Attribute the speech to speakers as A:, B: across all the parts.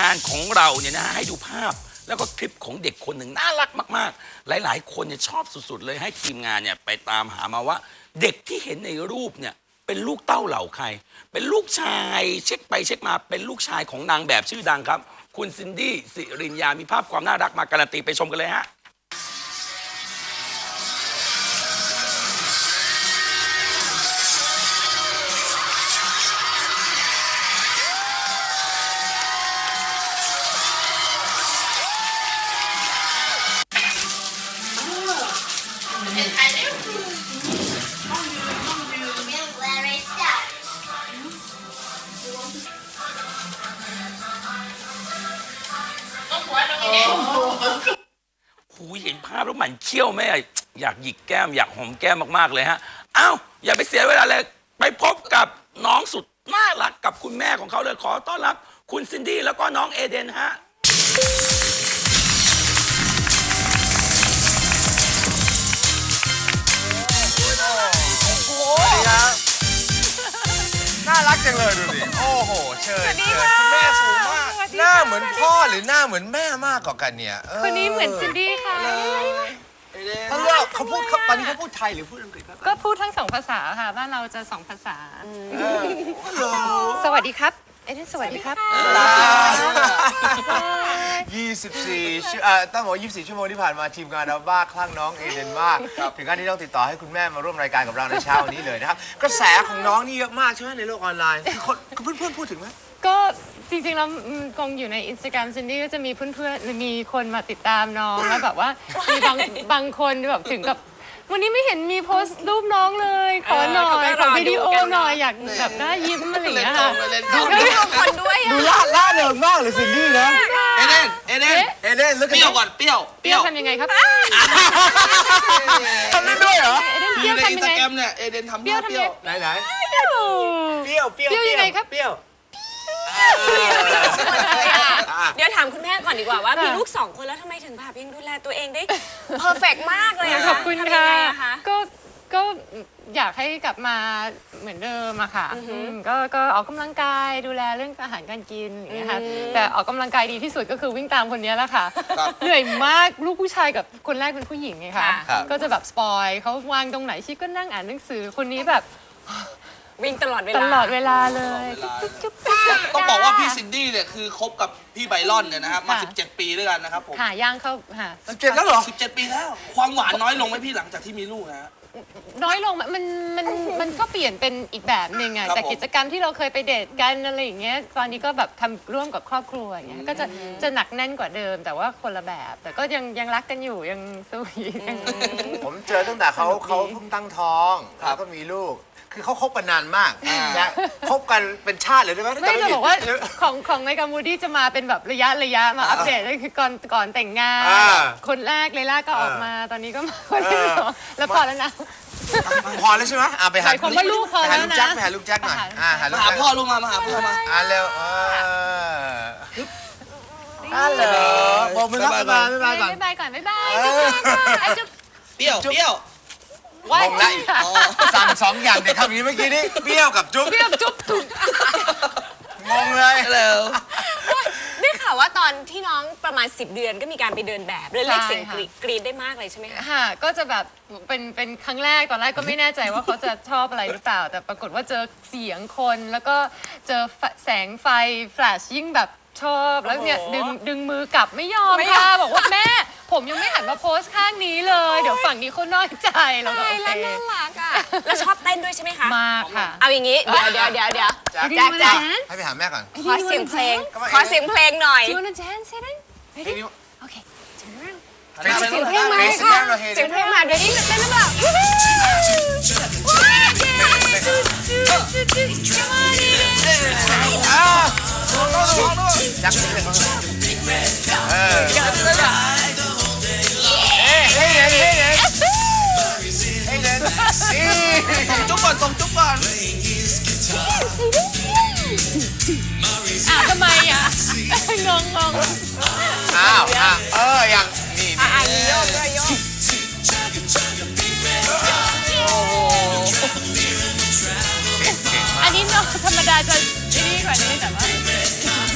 A: านของเราเนี่ยนะฮะให้ดูภาพแล้วก็คลิปของเด็กคนหนึ่งน่ารักมากๆหลายๆคนเนี่ยชอบสุดๆเลยให้ทีมงานเนี่ยไปตามหามาว่าเด็กที่เห็นในรูปเนี่ยเป็นลูกเต้าเหล่าใครเป็นลูกชายเช็คไปเช็คมาเป็นลูกชายของนางแบบชื่อดังครับคุณซินดี้สิรินยามีภาพความน่ารักมาการันตีไปชมกันเลยฮะหูเห็นภาพแล้วหมันเขี้ยวแม่อยากหยิกแก้มอยากหอมแก้มมากๆเลยฮะอ้าวอย่าไปเสียเวลาเลยไปพบกับน้องสุดน่ารักกับคุณแม่ของเขาเลยขอต้อนรับคุณซินดี้แล้วก็น้องเอเดนฮะ
B: น่ารักจังเลยดูดิโอ้โหเชิญคุณแม่สูงมากหน้าเหมือนพ่อหรือหน้าเหมือนแม่มากกว่ากันเนี่ย
C: คนนี้เหมือนซินดี้ค่ะ
B: เขาพูดตอนนี้เขาพูดไทยหรือพูดอังกฤษครับ
C: ก็พูดทั้ง2 ภาษาค่ะบ้านเราจะ2 ภาษาสวัสดีครับเอเดนสวัสดีครับ
B: 24ต้องบอก24 ชั่วโมงที่ผ่านมาทีมงานเราบ้าคลั่งน้องเอเดนมากถึงขั้นที่ต้องติดต่อให้คุณแม่มาร่วมรายการกับเราในเช้าวันนี้เลยนะครับกระแสของน้องนี่เยอะมากใช่ไหมในโลกออนไลน์เพื่อนพูดถึงไหม
C: ก็จริงๆแล้วคงอยู่ใน Instagram ซินดี้ก็จะมีเพื่อนๆมีคนมาติดตามน้องแล้วแบบว่ามีบางคนแบบถึงกับวันนี้ไม่เห็นมีโพสต์รูปน้องเลยขอหน่อยขอวิดีโอหน่อยอยากแบบน่ายิ้มอะไรอย่างเงี้ยค่ะ
D: ดูคนด้วย
B: ดูล่าเริงมากเลยซินดี้นะเอเดนเปรี้ยวก่อนเปรี้ยว
C: ทำยังไงครับ
B: ทำได้ด้วยเหรอ
C: ในอินสตาแกรม
B: เนี่ยเอเดนทำเปรี้ยวไหนเปรี้ยว
C: ยังไงครับ
B: เปรี้ยว
D: เดี๋ยวถามคุณแม่ก่อนดีกว่าว่ามีลูก2 คนแล้วทำไมถึงแบบยังดูแลตัวเองได้เพอร์เฟกต์มากเลย
C: ขอบคุณค่ะก็อยากให้กลับมาเหมือนเดิมอะค่ะก็ออกกำลังกายดูแลเรื่องอาหารการกินอย่างเงี้ยค่ะแต่ออกกำลังกายดีที่สุดก็คือวิ่งตามคนนี้แหละค่ะเหนื่อยมากลูกผู้ชายกับคนแรกเป็นผู้หญิงไงคะก็จะแบบสปอยเขาวางตรงไหนชิคก็นั่งอ่านหนังสือคนนี้แบบ
D: วิ่งตลอดเว
C: ลาเลย
E: ต้องบอกว่าพี่ซินดี้เนี่ยคือคบกับพี่ไบรอนเนี่ยนะครับมา17 ปีด้วยกันนะครับผม
C: ย่างเข้า
B: 17แล้วเหรอ
E: 17 ปีแล้วความหวานน้อยลงไหมพี่หลังจากที่มีลูกฮะ
C: น้อยลงมันก็เปลี่ยนเป็นอีกแบบหนึ่งอะจากกิจกรรมที่เราเคยไปเดทกันอะไรอย่างเงี้ยตอนนี้ก็แบบทำร่วมกับครอบครัวอย่างเงี้ยก็จะหนักแน่นกว่าเดิมแต่ว่าคนละแบบแต่ก็ยังรักกันอยู่ยังสวีท
B: ผมเจอตั้งแต่เขาเพิ่งตั้งท้องแล้วก็มีลูกคือเขาคบกันนานมากนะคบกันเป็นชาติเลยได้ไหม
C: ไม่จะบอกว่าของในกัมพูดีจะมาเป็นแบบระยะมาอัปเดตก็คือก่อนแต่งงานคนแรกเลยล่าก็ออกมาตอนนี้ก็มาคนที่2แล้วพอแล้วนะ
B: พอแล้วใช่ไหมไปหา
C: ลูกพอแล้วนะ
B: ไปหาลูกแจ็คหน่อย
E: มาหาพ่อลูกมาหาพ่อมา
B: เร็วบอกมือรับบ๊ายบายก่อน
C: บ๊ายบายจุ๊บ
E: เปรี้ยว
C: ว่า
B: สั่ง2 อย่างเด็กคำนี้เมื่อกี้นี้เปรี้ยวกับจุ๊บงงเลย
D: ได้ข่าวว่าตอนที่น้องประมาณ10 เดือนก็มีการไปเดินแบบเรียกเสียงกรี๊ดได้มากเลยใช่ไหมคะ
C: ค่ะก็จะแบบเป็นครั้งแรกตอนแรกก็ไม่แน่ใจว่าเขาจะชอบอะไรหรือเปล่าแต่ปรากฏว่าเจอเสียงคนแล้วก็เจอแสงไฟแฟลชยิ่งแบบชอบแล้วเนี่ยดึงมือกลับไม่ยอมค่ะบอกว่าแม่ผมยังไม่หันมาโพสข้างนี้เลยเดี๋ยวฝั่งนี้เขาน้อยใจเราก็โอเค
D: น่ารักอ่ะแล้วชอบเต้นด้วยใช่ไหมคะ
C: มาค่ะ
D: เอาอย่างนี้เดี๋ยว
B: แจ็คให้ไปหาแม่ก่อน
D: ขอเสียงเพลงหน่อย
C: Do you wanna dance Eden? Ready? Okay turn around
D: เสียงเพลงมาค่ะเสียงเพลงมาเดี๋ยวนี้เต้นหรือเปล่า
B: จักเลย
E: ส่งจุ๊บก่อน
C: ทำไมอ่ะงง
B: อย่างนี่
D: โยก
C: อันนี้น้องธรรมดาจะนี่กว่านี้แต่ว่า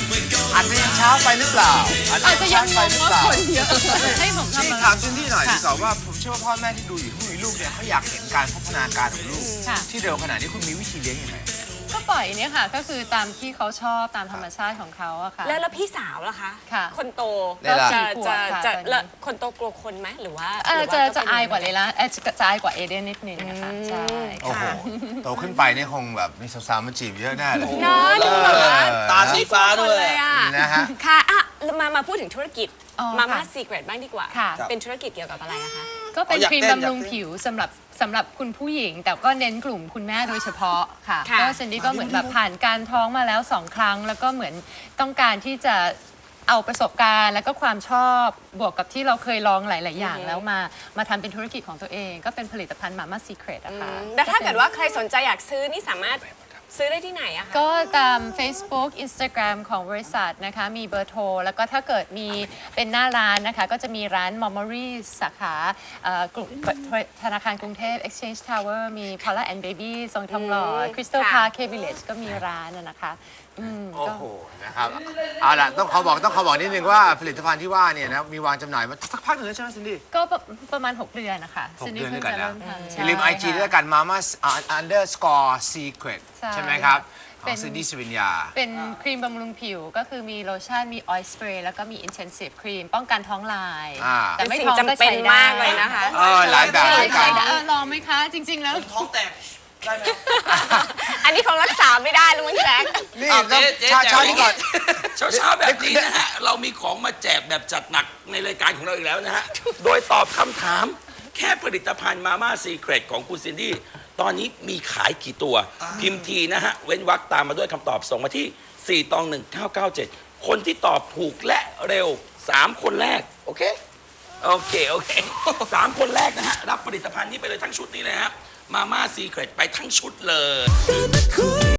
B: อาจจะยังเช้าไปหรือเปล่า
C: อาจจะยังง
B: ไป
C: ง
B: หรือ
C: ว่า
B: เปล่า
C: คนเยอะให้ผมทำ
B: นี่
C: อะไร
B: ถามซินดี้หน่อยดีกว่าว่าผมเชื่อว่าพ่อแม่ที่ดูอยู่ที่มีลูกเนี่ยเขาอยากเห็นการพัฒนาการของลูก
C: ค่ะ
B: ที่เร็วขนาดนี้คุณมีวิธีเลี้ยงยังไง
C: ก็ปล่อยเนี่ยค่ะ ก็คือตามที่เขาชอบตามธรรมชาติของเขาอะค่ะ
D: แล้วพี่สาวล่ะคะ
C: ค่ะ
D: คนโต
B: เนี่ยล่ะ
D: จะ
C: 4 ขวบค่ะ
D: จะ
C: ตอนนี้
D: แล้วคนโตกลัวคนไหมหรือว่า
C: จะอายกว่าเลยละจะอายกว่าเอเดนนิดนึงนะคะใช่
B: โอ้โห โตขึ้นไปเนี่ยคงแบบมีสาวๆมาจีบเยอะแน่เลย
D: เนอะดูแบบว่า
E: ตาสีฟ้าด้วย
D: เลยอะ
B: นะฮะ
D: ค่ะอ่ะมาพูดถึงธุรกิจ
C: อ๋อ
D: มาม่า
C: ค่ะ
D: ซีเกรตบ้างดีกว่า
C: ค่ะ
D: เป็นธุรกิจเกี่ยวกับอะไรอะคะ
C: ก็เป็น
E: อยาก
C: ครีม
E: เต้น
C: บำรุง
E: อยากเต้น
C: ผิวสำหรับคุณผู้หญิง แต่ก็เน้นกลุ่มคุณแม่โดยเฉพาะค่ะ
D: ค่ะ
C: ก็เซนดี้ก็เหมือนแบบผ่านการท้องมาแล้ว 2 ครั้ง แล้วก็เหมือนต้องการที่จะเอาประสบการณ์ แล้วก็ความชอบบวกกับที่เราเคยลองหลาย ๆ อย่าง แล้วมาทำเป็นธุรกิจของตัวเอง ก็เป็นผลิตภัณฑ์ Mama Secret อะค่ะ
D: แล้วถ้าเกิดว่าใครสนใจอยากซื้อนี่สามารถซื้อได้ที่ไหนอะคะ
C: ก็ตาม Facebook Instagram ของบริษัทนะคะ มีเบอร์โทร แล้วก็ถ้าเกิดมีเป็นหน้าร้านนะคะ ก็จะมีร้าน Momory สาขากลุ่มธนาคารกรุงเทพ Exchange Tower มี Paula and Baby ทรงทองหล่อ Crystal
D: ค่ะ
C: Park K Village ก็มีร้านนะคะ
B: โอ้
C: ก็
B: โห นะครับ เอาล่ะต้องขอบอกนิดนึงว่าผลิตภัณฑ์ที่ว่าเนี่ยนะมีวางจำหน่ายมาสักพักหนึ่งแล้วใช่ไหมซินดี้
C: ก็ประมาณ 6 เดือนนะคะ
B: 6
C: ซินดี้
B: เดือนด้วยกันนะ
C: เพิ่งจะเริ่มทำ
B: อย่าลืม IG ด้วย
C: ค่ะ
B: กัน Mama underscore secret
C: ใช่
B: ใช่ไหมครับข
C: เป็
B: อง
C: น
B: ซินดี้สิวิญญา
C: เป็นครีมบำรุงผิวก็คือมีโลชั่น มีออยล์สเปรย์แล้วก็มี intensive ครีมป้องกันท้องลาย แต่ไม่
D: สิ่ง
C: ท้องก็
D: จำเป็น
C: ใช้ได้
D: มากเลยนะคะ
B: หลายแบบหลายกั
C: ใช้
B: น
C: ได้ลองไหมคะ จริง ๆ แล้ว
E: ท้องแตกได้ไหม
D: อันนี้คงรักษาไม่ได้แล้วมั้งแจ๊ค
B: นี่
E: เอา
B: ต้อง
E: เจ๊
B: เช้านี้ก่อน
A: เช้าๆแบบนี้นะฮะ เรามีของมาแจกแบบจัดหนักในรายการของเราอีกแล้วนะฮะ โดยตอบคำถามแค่ผลิตภัณฑ์มาม่าซีเครตของคุณซินดี้ตอนนี้มีขายกี่ตัว พิมพ์ทีนะฮะ เว้นวรรคตามมาด้วยคำตอบส่งมาที่ 4-1997 คนที่ตอบถูกและเร็ว 3 คนแรก โอเค โอเค 3 คนแรกนะฮะ รับผลิตภัณฑ์นี้ไปเลยทั้งชุดนี้เลยฮะมาม่าซีเครตไปทั้งชุดเลย